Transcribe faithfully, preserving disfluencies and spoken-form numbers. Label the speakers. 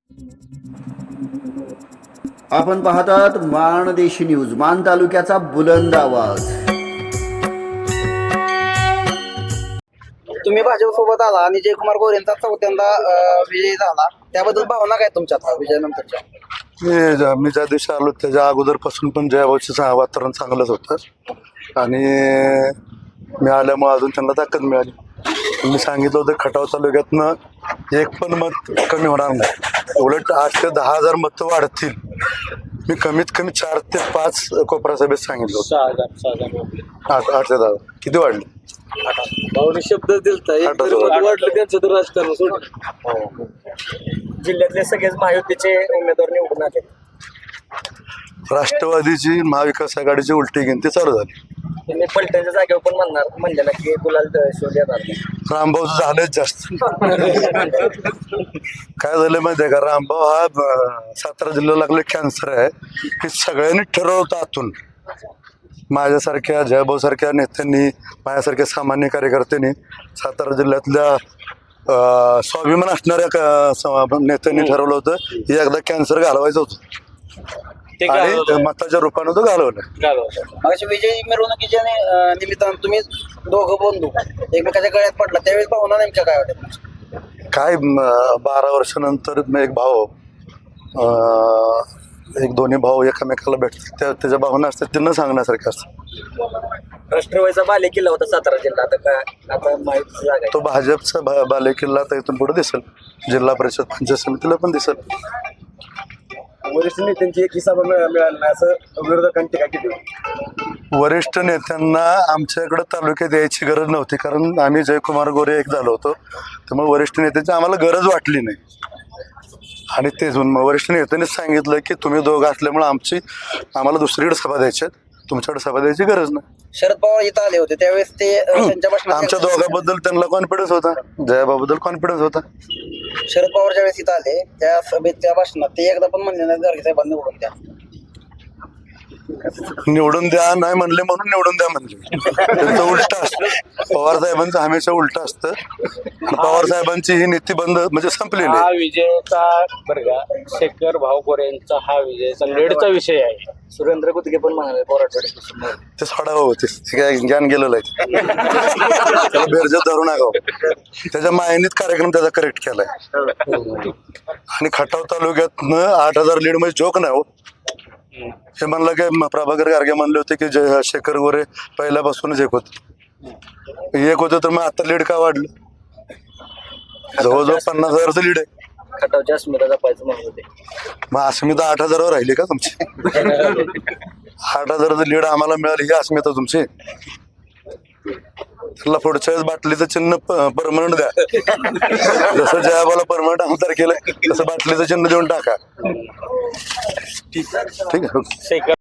Speaker 1: आपण पाहतात माणदेशी न्यूज, मान तालुक्याचा बुलंद आवाज।
Speaker 2: तुम्ही भाजप सोबत आला आणि जयकुमार गोरेंचा चौथ्यांदा विजय झाला, त्याबद्दल भावना काय तुमच्या विजयानंतरच्या?
Speaker 3: मी ज्या- मी ज्या दिवशी आलो त्याच्या अगोदरपासून पण जयाभाऊचं वातावरण चांगलंच होतं आणि मी आल्यामुळे अजून त्यांना ताकद मिळाली। मी सांगितलं होतं खटाव तालुक्यातनं एक पण मत कमी होणार नाही, उलट आठ ते दहा हजार मतं वाढतील। मी कमीत कमी चार ते पाच कोपरा सभेत सांगितलं होतं।
Speaker 4: सहा हजार सहा हजार
Speaker 3: आठ आठ ते दहा किती वाढले?
Speaker 4: भाऊने शब्द दिलता एक
Speaker 3: आठ
Speaker 4: तरी
Speaker 3: हजार.
Speaker 4: मत वाटलं त्यांचं तर राजकारण सोडलं।
Speaker 2: जिल्ह्यातले सगळेच महायुतीचे उमेदवार निवडून आले।
Speaker 3: राष्ट्रवादीची महाविकास आघाडीची उलटी गिनती चालू झाली।
Speaker 2: तुम्ही पलटणच्या जागेवर पण म्हणणार म्हणलेला की गुलाल शोध येणार नाही।
Speaker 3: रामभाऊचं झालंच जास्त। काय झालं माहिती आहे का, रामभाऊ हा अं, सातारा जिल्ह्याला लागले कॅन्सर आहे हे सगळ्यांनी ठरवलं होतं आतून। माझ्यासारख्या जयभाऊ सारख्या नेत्यांनी, माझ्यासारख्या सामान्य कार्यकर्त्यांनी, सातारा जिल्ह्यातल्या अं, स्वाभिमान असणाऱ्या क- स- नेत्यांनी ठरवलं होतं हे एकदा कॅन्सर घालवायचं होतं
Speaker 4: ते
Speaker 3: आणि मताच्या रूपानं तो घालवलं।
Speaker 2: मग विजय मिरवणुकीच्या नि- निमित्तानं तुम्ही दोघं बंधू एकमेकाच्या गळ्यात पडला, त्यावेळेस भावना नेमक्या काय होत्या?
Speaker 3: काय म, बारा वर्षानंतर मी एक भाऊ अं, एक दोन्ही भाऊ एकमेकाला भेटतात, त्या त्याच्या भावना असतात ते न सांगण्यासारख्या असतात।
Speaker 2: राष्ट्रवादीचा बाले किल्ला होता सातारा जिल्हा, आता काय आता माहिती जागा
Speaker 3: तो भाजपचा भा बालेकिल्ला आता इथून पुढे दिसेल, जिल्हा परिषद पंचायत समितीला पण दिसेल।
Speaker 2: वरिष्ठ नेत्यांची एक हिस्सा मिळाला नाही असं विरोधकांनी टीका केली।
Speaker 3: वरिष्ठ नेत्यांना आमच्याकडे तालुक्यात यायची गरज नव्हती, कारण आम्ही जयकुमार गोरे एक झालो होतो, त्यामुळे वरिष्ठ नेत्यांची आम्हाला गरज वाटली नाही। आणि तेच मग वरिष्ठ नेत्यांनीच सांगितलं की तुम्ही दोघं असल्यामुळे आमची आम्हाला दुसरीकडे सभा द्यायच्या, तुमच्याकडे सभा द्यायची गरज नाही।
Speaker 2: शरद पवार इथं आले होते त्यावेळेस ते अं, त्यांच्या भाषणात
Speaker 3: आमच्या दोघांबद्दल त्यांना कॉन्फिडन्स होता, जयाबाबद्दल कॉन्फिडन्स होता।
Speaker 2: शरद पवार ज्यावेळेस इथं आले त्या सभेत त्या भाषणात ते एकदा पण म्हणले नाही गाडगे साहेबांनी निवडून द्या।
Speaker 3: निवडून द्या नाही म्हणले म्हणून निवडून द्या म्हणले, त्यांचं उलट असतं। पवार साहेबांचं हमेशा उलट असतं। पवार साहेबांची ही नीती बंद म्हणजे संपलेली
Speaker 4: हा
Speaker 3: आहे।
Speaker 4: विजयाचा बरं का शेखर भाऊ गोरेंचा हा विजयाचा लेडचा विषय आहे।
Speaker 2: सुरेंद्र कुतके पण म्हणाले बोराटवाडी
Speaker 3: ते सोडावं होते, ते काय ज्ञान गेलेलं आहे, त्याला बेरजत धरू नका। त्याच्या मायनीत कार्यक्रम त्याचा करेक्ट केलाय आणि खटाव तालुक्यातनं आठ हजार लीड म्हणजे जोक नाही हो। हे म्हणलं की प्रभाकर गारगे म्हणले होते की जय शेखर गोरे पहिल्यापासूनच एक होत एक होतं, तर मग आता लीड का वाढलं? जवळजवळ पन्नास हजारचं लीड आहे।
Speaker 2: खटावच्या अस्मिता जपायचं म्हणत होते।
Speaker 3: मग अस्मिता आठ हजारावर राहिली का तुमची? आठ हजाराचं लीड आम्हाला मिळाली ही अस्मिता तुमची? त्याला पुढच्या वेळेस बाटलीचं चिन्ह परमनंट द्या, जसं जयाबाला परमनंट आमदार केलं तसं बाटलीचं चिन्ह देऊन टाका। ठीक आहे, ओके।
Speaker 4: शेखर